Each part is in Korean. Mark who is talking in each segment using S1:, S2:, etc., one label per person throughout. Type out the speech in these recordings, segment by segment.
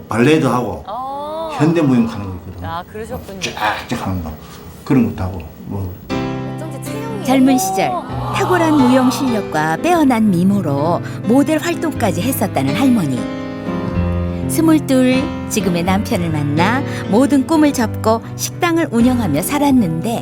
S1: 발레도 하고 현대무용 하는 거 있거든.
S2: 아, 그러셨군요.
S1: 쫙쫙 하는 거 그런 것도 하고 뭐.
S3: 젊은 시절 탁월한 무용 실력과 빼어난 미모로 모델 활동까지 했었다는 할머니. 22 지금의 남편을 만나 모든 꿈을 접고 식당을 운영하며 살았는데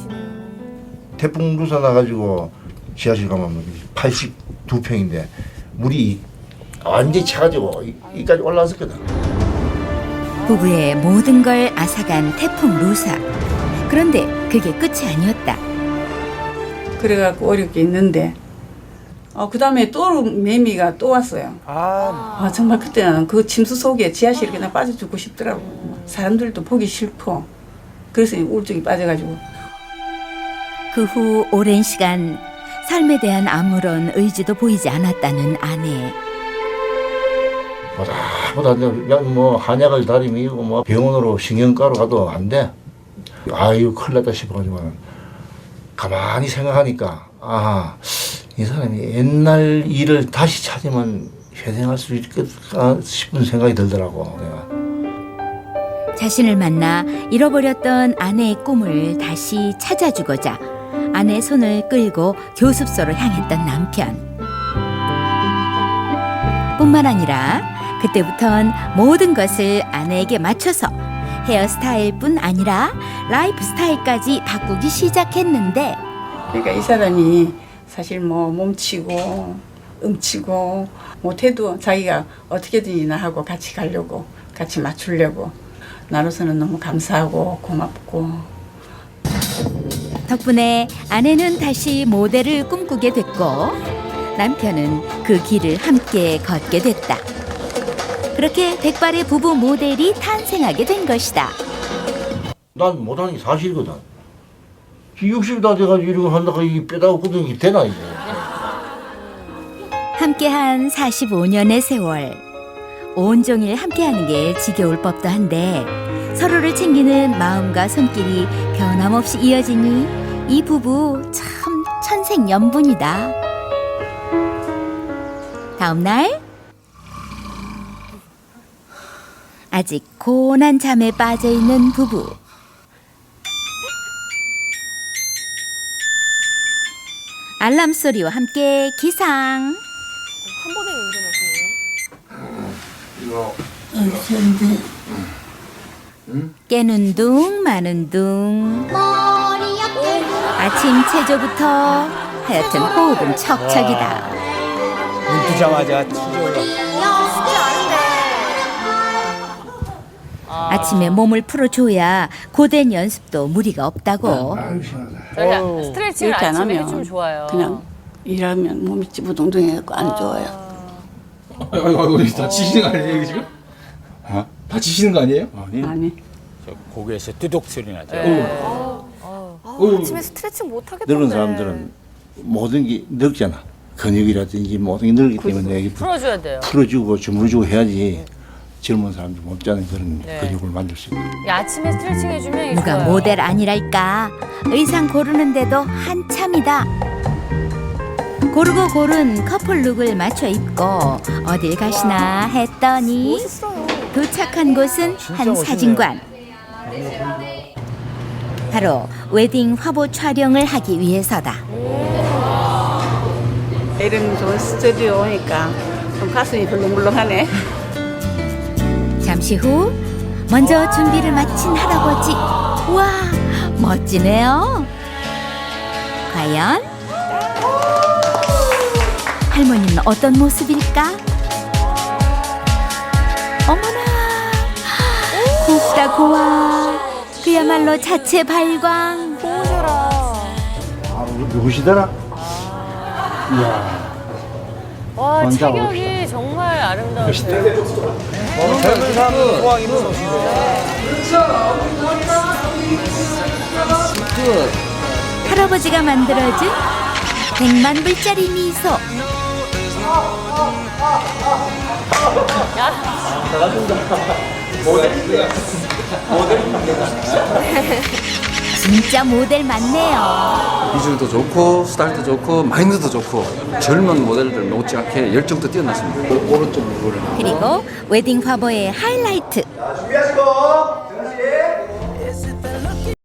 S1: 태풍 루사 나가지고 지하실 가면 82평인데 물이 완전히 차가지고 여기까지 올라왔었거든.
S3: 부부의 모든 걸 앗아간 태풍 루사. 그런데 그게 끝이 아니었다.
S4: 그래갖고 어렵게 있는데 그 다음에 또 매미가 또 왔어요. 정말 그때는 그 침수 속에 지하실에 그냥 빠져 죽고 싶더라고. 사람들도 보기 싫고 그래서 우울증이 빠져가지고.
S3: 그 후 오랜 시간 삶에 대한 아무런 의지도 보이지 않았다는 아내.
S1: 보다 뭐 한약을 다리미고 뭐 병원으로 신경과로 가도 안 돼. 아유 큰일 났다 싶어가지고 가만히 생각하니까 이 사람이 옛날 일을 다시 찾으면 회생할 수 있겠다 싶은 생각이 들더라고. 내가.
S3: 자신을 만나 잃어버렸던 아내의 꿈을 다시 찾아주고자 아내의 손을 끌고 교습소로 향했던 남편. 뿐만 아니라 그때부턴 모든 것을 아내에게 맞춰서 헤어스타일뿐 아니라 라이프 스타일까지 바꾸기 시작했는데
S4: 그러니까 이 사람이 사실 뭐 몸치고 음치고 못해도 자기가 어떻게든 나하고 같이 가려고 같이 맞추려고 나로서는 너무 감사하고 고맙고.
S3: 덕분에 아내는 다시 모델을 꿈꾸게 됐고 남편은 그 길을 함께 걷게 됐다. 그렇게 백발의 부부 모델이 탄생하게 된 것이다.
S1: 난 못하는 게 사실이거든. 60이 다 돼가지고 이런 거 한다고 이 뼈다고 굳은 게 되나 이게.
S3: 함께한 45년의 세월. 온종일 함께하는 게 지겨울 법도 한데 서로를 챙기는 마음과 손길이 변함없이 이어지니 이 부부 참 천생연분이다. 다음 날 아직 고운한 잠에 빠져있는 부부. 알람 소리와 함께 기상.
S2: 한 번에 일어나시네요.
S3: 깨는 둥 마는 둥. 아침 체조부터 하여튼 호흡은 척척이다.
S5: 눈 뜨자마자 튀어올라.
S3: 아침에 몸을 풀어줘야 고된 연습도 무리가 없다고.
S2: 저희가 스트레칭을
S4: 이렇게 안
S2: 아침에
S4: 하면
S2: 해주면 좋아요.
S4: 그냥 일하면 몸이 찌부둥둥해갖고 안 좋아요.
S6: 아이고 다치시는 거 아니에요 이거 지금? 다치시는 거 아니에요?
S4: 아니.
S5: 저 고개에서 뚜둑 소리 나죠.
S2: 아침에 스트레칭 못 하겠던데.
S1: 늙은 사람들은 모든 게 늙잖아. 근육이라든지 모든 게 늙기 때문에 이게
S2: 풀어줘야 돼요.
S1: 풀어주고 주물주고 해야지 젊은 사람들 몸자는 그런
S2: 네.
S1: 근육을 만들 수 있고.
S2: 이 아침에 스트레칭 해주면 이게
S3: 누가
S2: 좋아요.
S3: 모델 아니랄까. 의상 고르는데도 한참이다. 고르고 고른 커플룩을 맞춰 입고 어딜 가시나 했더니 도착한 곳은 한 사진관. 바로 웨딩 화보 촬영을 하기 위해서다.
S4: 이런 좋은 스튜디오 오니까 좀 가슴이 벌렁벌렁하네.
S3: 잠시 후 먼저 준비를 마친 할아버지. 와, 멋지네요. 과연 할머니는 어떤 모습일까? 어머나, 곱다 고와. 그야말로 자체 발광.
S1: 누구시더라? 이야.
S2: 와,
S1: 먼저
S2: 체격이 정말 아름다우세요.
S5: 젊은 사람들 호황 입은 옷이고.
S3: 할아버지가 만들어준 100만 불짜리 미소. 진짜 모델 맞네요.
S7: 비주얼도 좋고 스타일도 좋고 마인드도 좋고 젊은 모델들 못지않게 열정도 뛰어났습니다. 오른쪽 무릎을
S3: 그리고 웨딩 화보의 하이라이트.
S1: 준비하시고